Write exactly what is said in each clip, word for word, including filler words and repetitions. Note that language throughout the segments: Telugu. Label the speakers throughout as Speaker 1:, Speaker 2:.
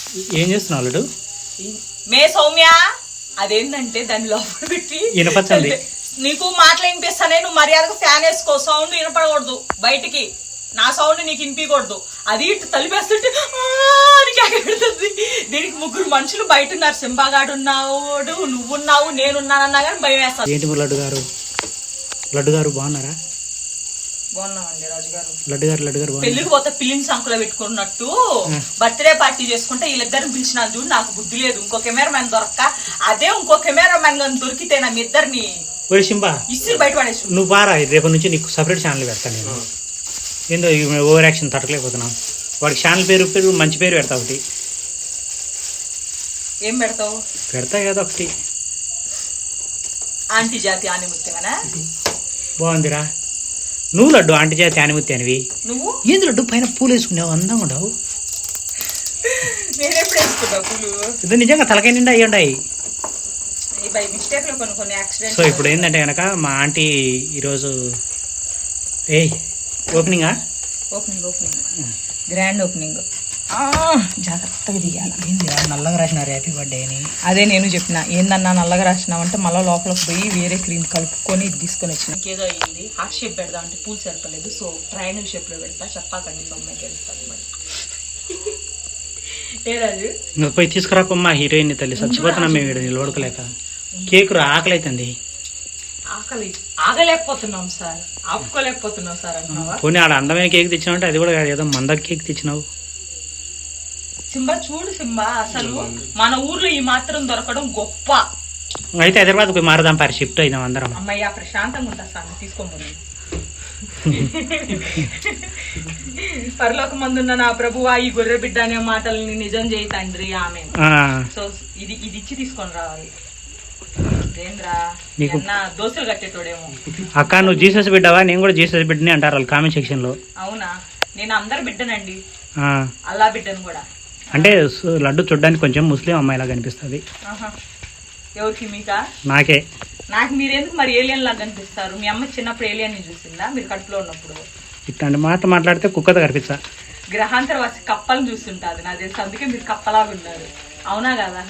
Speaker 1: ఏం చేస్తున్నావు అల్లుడు?
Speaker 2: మే సౌమ్య అదేంటంటే దాని లోపల పెట్టి
Speaker 1: వినపచ్చండి.
Speaker 2: నీకు మాటలు వినిపిస్తానే, నువ్వు మర్యాదకు ఫ్యాన్ వేసుకో. సౌండ్ వినపడకూడదు బయటికి, నా సౌండ్ నీకు వినిపించకూడదు. అది ఇటు తలిపేస్తుంటే పెడుతుంది. దీనికి ముగ్గురు మనుషులు బయట ఉన్నారు. సింబాగాడు ఉన్నాడు, నువ్వున్నావు, నేనున్నానన్నా కానీ భయం వేస్తాను.
Speaker 1: ఏంటి లడ్డు గారు? లడ్డు గారు బాగున్నారా?
Speaker 2: బాగున్నామండి రాజు గారు.
Speaker 1: లడ్డు గారు లడ్డు గారు
Speaker 2: పెళ్లికి పోతే పిల్లిని సంకులో పెట్టుకున్నట్టు బర్త్డే పార్టీ చేసుకుంటే వీళ్ళిద్దరిని పిలిచినాను చూడు. నాకు బుద్ధి లేదు. ఇంకో కెమెరా మ్యాన్ దొరక్క, అదే ఇంకో కెమెరా మ్యాన్ కానీ దొరికితే నా మీ ఇద్దరిని ఇస్త్రీ బయట పడేసి.
Speaker 1: నువ్వు బారా, రేపటి నుంచి నీకు సపరేట్ ఛానల్ పెడతాను నేను. ఏందో ఓవర్ యాక్షన్ తట్టలేకపోతున్నావు. వాడికి ఛానల్ పేరు పేరు మంచి పేరు పెడతా ఒకటి.
Speaker 2: ఏం పెడతావు?
Speaker 1: పెడతా కదా ఒకటి,
Speaker 2: ఆంటీ జాతి ఆనిముత్యమనా?
Speaker 1: బాగుందిరా. నువ్వు లడ్డు ఆంటీ జాతి ఆనిముత్తి అనివి.
Speaker 2: నువ్వు
Speaker 1: ఏంది లడ్డు పైన పూలు వేసుకున్నావు, అందంగా ఉండవు.
Speaker 2: నేనెప్పుడు వేసుకున్నా పూలు?
Speaker 1: ఇది నిజంగా తలకాయ నిండా అయ్యి ఉండాయి.
Speaker 2: బై మిస్టేక్ లో కొన్ని కొన్ని యాక్సిడెంట్.
Speaker 1: సో ఇప్పుడు ఏంటంటే కనుక మా ఆంటీ ఈరోజు ఏ ఓపెనింగా
Speaker 2: ఓపెనింగ్ ఓపెనింగ్ గ్రాండ్ ఓపెనింగ్ జాగ్రత్తగా దిగాల.
Speaker 1: నల్లగా రాసినారు హ్యాపీ బర్త్డే అని.
Speaker 2: అదే నేను చెప్పిన, ఏందన్నా నల్లగా రాసినావంటే మళ్ళీ లోపలికి పోయి వేరే క్రీమ్ కలుపుకొని తీసుకొని వచ్చిన. ఇంకేదో అయ్యింది. హార్ట్ షేప్ పెడదాం అంటే పూలు సరిపలేదు. సో ట్రయాంగిల్ షేప్ లో పెడతా. చెప్పాకండి సొమ్మాయికి వెళ్తాను మరి. ఏరాజు
Speaker 1: ఇంకా పోయి తీసుకురాకమ్మా హీరోయిన్ తల్లి. చచ్చిపోతున్నాం మేము ఇక్కడ నిలబడుకోలేక. కేక్ రా ఆకలి అవుతుంది.
Speaker 2: ఆకలి ఆగలేకపోతున్నాం సార్, ఆపుకోలేకపోతున్నాం సార్ అంటున్నావా?
Speaker 1: పోనీ ఆడ అందమైన కేక్ తెచ్చినావు అంటే అది కూడా కాదు, ఏదో మంద కేక్ తెచ్చినావు.
Speaker 2: సింబా చూడు సింబా, అసలు మన ఊర్లో ఈ మాత్రం దొరకడం గొప్ప.
Speaker 1: అయితే హైదరాబాద్ పోయి మారదాం పారి, షిఫ్ట్ అయినాం అందరం.
Speaker 2: అమ్మయ్య ప్రశాంతంగా ఉంటా సార్, తీసుకోమని. పరలోక మందున్న నా ప్రభువా, ఈ గొర్రె బిడ్డ అనే మాటల్ని నిజం చేయి తండ్రి, ఆమె. సో ఇది ఇది ఇచ్చి తీసుకొని రావాలి. దోశలు కట్టేటోడేమో.
Speaker 1: అక్క నువ్వు జీసస్ బిడ్డవా? నేను కూడా జీసస్ బిడ్డని అంటారు వాళ్ళు కామెంట్ సెక్షన్ లో.
Speaker 2: అవునా? నేను అందరు బిడ్డనండి, అల్లా బిడ్డను కూడా.
Speaker 1: అంటే లడ్డు చూడడానికి కొంచెం ముస్లిం అమ్మాయిలా కనిపిస్తుంది.
Speaker 2: ఎవరికి? మీకా?
Speaker 1: నాకే.
Speaker 2: నాకు మీరెందుకు మరి ఏలియన్ లాగా కనిపిస్తారు? మీ అమ్మ చిన్నప్పుడు ఏలియన్ ని చూసిందా మీరు కడుపులో ఉన్నప్పుడు?
Speaker 1: ఇట్లాంటి మాట మాట్లాడితే కుక్కతో కనిపిస్తా.
Speaker 2: గ్రహాంతర వాసి కప్పలు చూస్తుంటాది నాకు తెలిసి, అందుకే మీరు కప్పలాగా ఉన్నారు. అవునా కదా?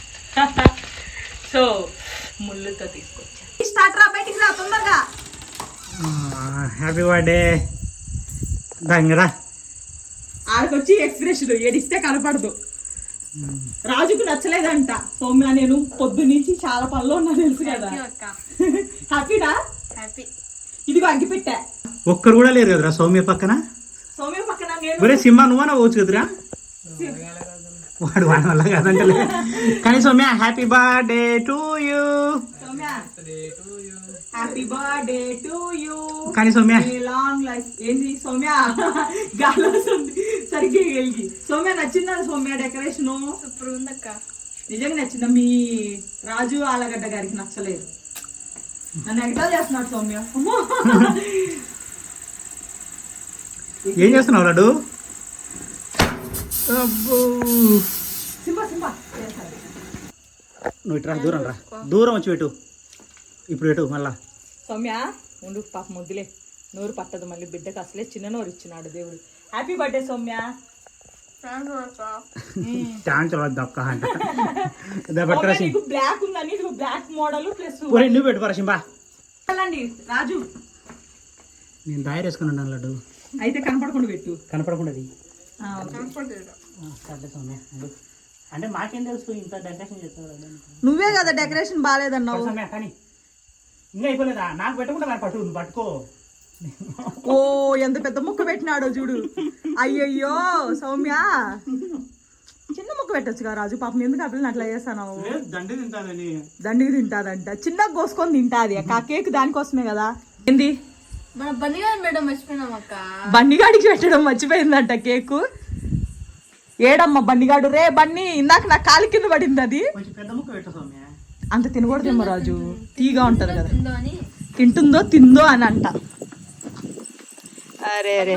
Speaker 2: సో ముళ్ళుతో తీసుకొచ్చా. స్టార్ట్ రా, బయటికి రా తొందరగా.
Speaker 1: Happy birthday. రా
Speaker 2: ఆడకొచ్చి ఎక్స్ప్రెషన్ ఏడిస్తే కనపడదు. రాజుకు నచ్చలేదంట సౌమ్య. నేను పొద్దు నుంచి చాలా పనులు ఉన్నా తెలుసు కదా. హ్యాపీనా? హ్యాపీ. ఇదిగో అగ్గి పెట్టా.
Speaker 1: ఒక్కరు కూడా లేరు కదరా సౌమ్య పక్కన.
Speaker 2: సౌమ్య పక్కన
Speaker 1: ఒరే సింహ నువ్వనా పోవచ్చు కదరా. వాడు వాడి వల్ల కాదంటే. కానీ Soumya happy birthday to you.
Speaker 2: Happy birthday to you.
Speaker 1: కానీ సౌమ్య
Speaker 2: లాంగ్ లైఫ్. ఏంది సౌమ్య గాలి వస్తుంది సరిగ్గా వెలిగి. సౌమ్య నచ్చిందా సౌమ్య డెకరేషన్? సూపర్ ఉందక్క. నిజంగా నచ్చిందా? మీ రాజు ఆలగడ్డ గారికి నచ్చలేదు. నన్ను ఎగటాలు చేస్తున్నాడు సౌమ్య.
Speaker 1: ఏం చేస్తున్నావు లడ్డు?
Speaker 2: సింబా సింబా
Speaker 1: నువ్వు ఇట్రా, దూరం రా, దూరం వచ్చి పెట్టు. ఇప్పుడు పెట్టు మళ్ళా.
Speaker 2: సౌమ్య ఉండు, పాప ముద్దులే, నోరు పట్టదు మళ్ళీ బిడ్డకు. అసలే చిన్న నోరు ఇచ్చినాడు దేవుడు. Happy birthday Soumya. బ్లాక్ ఉందని బ్లాక్ మోడల్ ప్లస్
Speaker 1: నువ్వు పెట్టు పరశింబా.
Speaker 2: రాజు
Speaker 1: నేను దారి వేసుకుని ఉన్నాను లడ్డు.
Speaker 2: అయితే కనపడకుండా పెట్టు.
Speaker 1: కనపడకుండా అంటే మాకేం తెలుసు ఇంత డెకరేషన్ చేస్తావు.
Speaker 2: నువ్వే కదా డెకరేషన్ బాగాలేదన్నావు.
Speaker 1: కానీ ఇంకా అయిపోలేదా? నాకు పెట్టకుండా పట్టు, నువ్వు పట్టుకో.
Speaker 2: ఓ ఎంత పెద్ద ముక్క పెట్టినాడో చూడు. అయ్యయ్యో సౌమ్య, చిన్న ముక్క పెట్టొచ్చు కదా రాజు. పాపం ఎందుకు ఆ పిల్లని అట్లా చేస్తాను?
Speaker 1: దండి తింటాదని.
Speaker 2: దండికి తింటాదంట. చిన్నగా కోసుకొని తింటాది. ఆ కేక్ దానికోసమే కదా. ఏంది బండిగాడికి పెట్టడం మర్చిపోయిందంట కేకు. ఏడమ్మా బండిగాడు? రే బన్నీ, ఇందాక నా కాలి కింద పడింది అది. అంత తినకూడదేమో రాజు, తీగా ఉంటది కదా. తింటుందో తిందో అని అంట. అరే అరే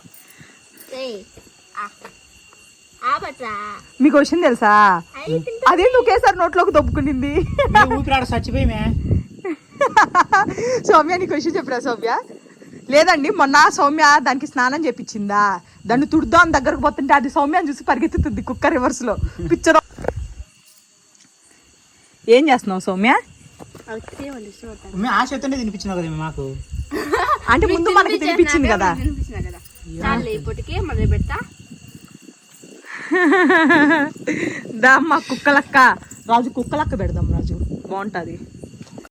Speaker 2: మీకు వచ్చింది తెలుసా? అదే ఒకేసారి నోట్లోకి దొబ్బుకునింది.
Speaker 1: చచ్చిపోయి
Speaker 2: సౌమ్య నీకు విషయం చెప్పరా సౌమ్య? లేదండి మొన్న సౌమ్య దానికి స్నానం చేపించిందా, దాన్ని తుడుదాం దగ్గరకు పోతుంటే అది సౌమ్యని చూసి పరిగెత్తుతుంది కుక్క రివర్స్ లో పిక్చర్. ఏం చేస్తున్నావు సౌమ్య?
Speaker 1: ఆశ అయితేనే తినిపించినావు కదా మాకు.
Speaker 2: అంటే ముందు మనకి తినిపించింది కదా. దా అమ్మ కుక్కలక్క రాజు, కుక్కలక్క పెడదాం రాజు, బాగుంటది.